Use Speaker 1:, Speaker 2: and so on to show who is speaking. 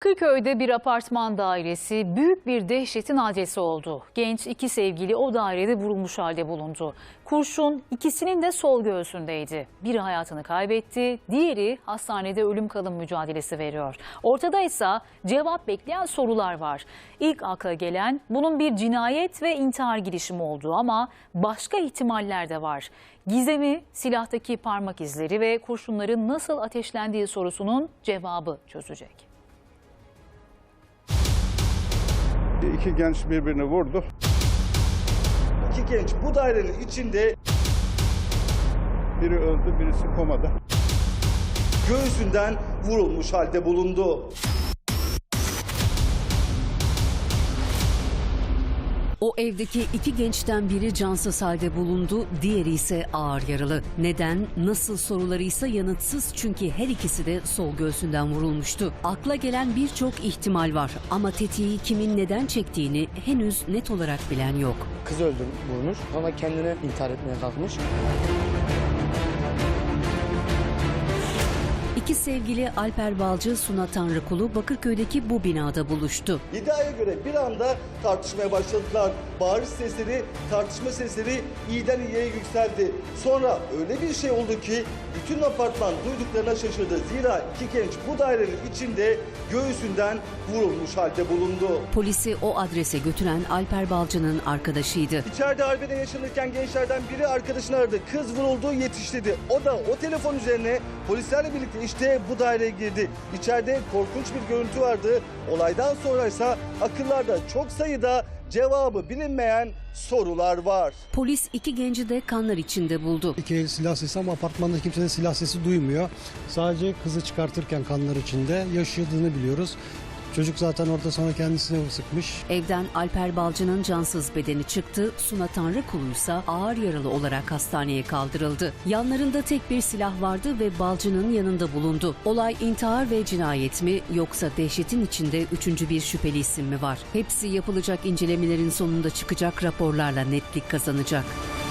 Speaker 1: Bakırköy'de bir apartman dairesi büyük bir dehşetin adresi oldu. Genç iki sevgili o dairede vurulmuş halde bulundu. Kurşun ikisinin de sol göğsündeydi. Biri hayatını kaybetti, diğeri hastanede ölüm kalım mücadelesi veriyor. Ortada ise cevap bekleyen sorular var. İlk akla gelen bunun bir cinayet ve intihar girişimi olduğu ama başka ihtimaller de var. Gizemi, silahtaki parmak izleri ve kurşunların nasıl ateşlendiği sorusunun cevabı çözecek.
Speaker 2: İki genç birbirini vurdu.
Speaker 3: İki genç bu dairenin içinde,
Speaker 2: Biri öldü, birisi komada.
Speaker 3: göğsünden vurulmuş halde bulundu.
Speaker 4: O evdeki iki gençten biri cansız halde bulundu, diğeri ise ağır yaralı. Neden, nasıl soruları ise yanıtsız çünkü her ikisi de sol göğsünden vurulmuştu. Akla gelen birçok ihtimal var ama tetiği kimin neden çektiğini henüz net olarak bilen yok.
Speaker 5: Kız öldürmüş ama kendine intihar etmeye kalkmış.
Speaker 4: İki sevgili Alper Balcı, Suna Tanrıkulu Bakırköy'deki bu binada buluştu.
Speaker 3: İddiaya göre bir anda tartışmaya başladılar. Bağırış sesleri, tartışma sesleri iyiden iyiye yükseldi. Sonra öyle bir şey oldu ki bütün apartman duyduklarına şaşırdı. Zira iki genç bu dairenin içinde göğsünden vurulmuş halde bulundu.
Speaker 4: Polisi o adrese götüren Alper Balcı'nın arkadaşıydı.
Speaker 3: İçeride arbede yaşanırken gençlerden biri arkadaşını aradı. Kız vuruldu, yetişti dedi. O da o telefon üzerine polislerle birlikte işte bu daireye girdi. İçeride korkunç bir görüntü vardı. Olaydan sonra ise akıllarda çok sayıda cevabı bilinmeyen sorular var.
Speaker 4: Polis iki genci de kanlar içinde buldu.
Speaker 6: İki el silah sesi ama apartmanda kimsenin silah sesi duymuyor. Sadece kızı çıkartırken kanlar içinde yaşadığını biliyoruz. Çocuk zaten orada sonra kendisine sıkmış.
Speaker 4: Evden Alper Balcı'nın cansız bedeni çıktı. Suna Tanrıkulu ise ağır yaralı olarak hastaneye kaldırıldı. Yanlarında tek bir silah vardı ve Balcı'nın yanında bulundu. Olay intihar ve cinayet mi yoksa dehşetin içinde üçüncü bir şüpheli isim mi var? Hepsi yapılacak incelemelerin sonunda çıkacak raporlarla netlik kazanacak.